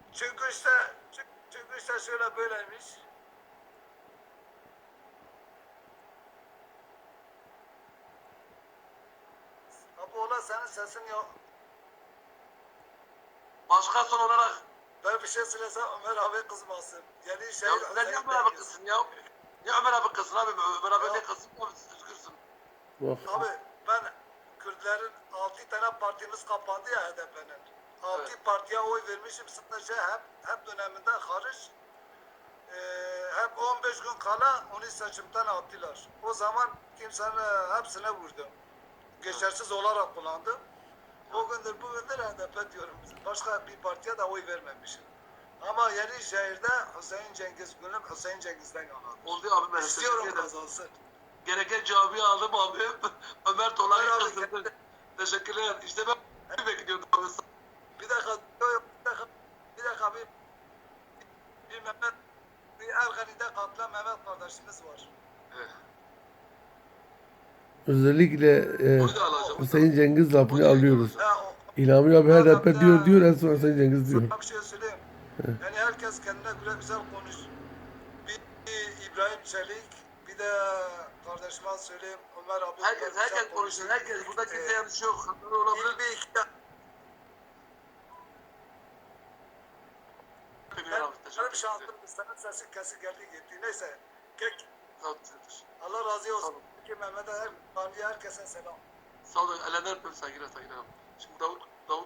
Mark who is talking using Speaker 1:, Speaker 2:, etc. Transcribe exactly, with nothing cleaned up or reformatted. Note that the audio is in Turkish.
Speaker 1: Çünkü işte çünkü işte şöyle böyleymiş. Abi ola senin sesin yok.
Speaker 2: Başka son olarak
Speaker 1: Ben bir şey söylesem Ömer abi kızmasın. Yeni
Speaker 2: ya
Speaker 1: şey
Speaker 2: sen niye Ömer abi kızsın ya? Niye Ömer abi kızsın abi? Ömer abi
Speaker 1: Ya.
Speaker 2: ne kızsın abi siz üzgünsün.
Speaker 3: Bak.
Speaker 1: Abi ben Kürtlerin altı tane partimiz kapandı ya H D P'nin. Altı
Speaker 2: Evet.
Speaker 1: partiye oy vermişim sadece hep hep döneminde hariç. Ee, hep on beş gün kala onu seçimden attılar. O zaman kimsenin hepsine vurdum. Geçersiz olarak kullandım. O gündür bugündür H D P diyorum. Başka bir partiye de oy vermemişim. Ama Yenişehir'de Hüseyin Cengiz Gülüm Hüseyin Cengiz'den yanarım.
Speaker 2: Oldu abi ben
Speaker 1: İstiyorum
Speaker 2: teşekkür ederim.
Speaker 1: kazansın.
Speaker 2: Gereken cevabı aldım abi. Ömer Tola'yı
Speaker 1: Ömer abi,
Speaker 2: kızdırdı. Teşekkürler. İşte ben bekliyordum abi.
Speaker 1: Bir dakika, yok, bir dakika, bir dakika bir, bir Mehmet, bir Ergani'de katılan Mehmet kardeşimiz var.
Speaker 2: Evet.
Speaker 3: Özellikle e,
Speaker 2: Onu da alacağım.
Speaker 3: Hüseyin Cengiz lafını
Speaker 2: Onu da
Speaker 3: alıyoruz.
Speaker 2: alacağım.
Speaker 1: Ha, o,
Speaker 3: İlhami abi her
Speaker 1: o da
Speaker 3: dakika
Speaker 1: bir
Speaker 3: diyor diyor en
Speaker 1: de,
Speaker 3: son Hüseyin Cengiz diyor.
Speaker 1: sana bir şey söyleyeyim. Yani herkes kendine göre güzel konuş. Bir, bir İbrahim Çelik, bir de kardeşime söyleyeyim Ömer abi.
Speaker 2: Herkes
Speaker 1: güzel
Speaker 2: herkes
Speaker 1: konuşuyor.
Speaker 2: konuşsun. Herkes burada kimse
Speaker 1: Ee,
Speaker 2: yanlış yok. Hatalar olabilir.
Speaker 1: Bir, bir iki,
Speaker 2: Bilmiyorum abi.
Speaker 1: benim
Speaker 2: Teşekkür ederim.
Speaker 1: şansım, senin sesin kesik geldi gitti. Neyse, kek,
Speaker 2: Sağ olun.
Speaker 1: Allah razı olsun.
Speaker 2: Tamam.
Speaker 1: Ki Mehmet'e, her, herkese selam.
Speaker 2: Sağ olun. Ellerinden öpüyorum. Saygılar saygılar. Şimdi Davut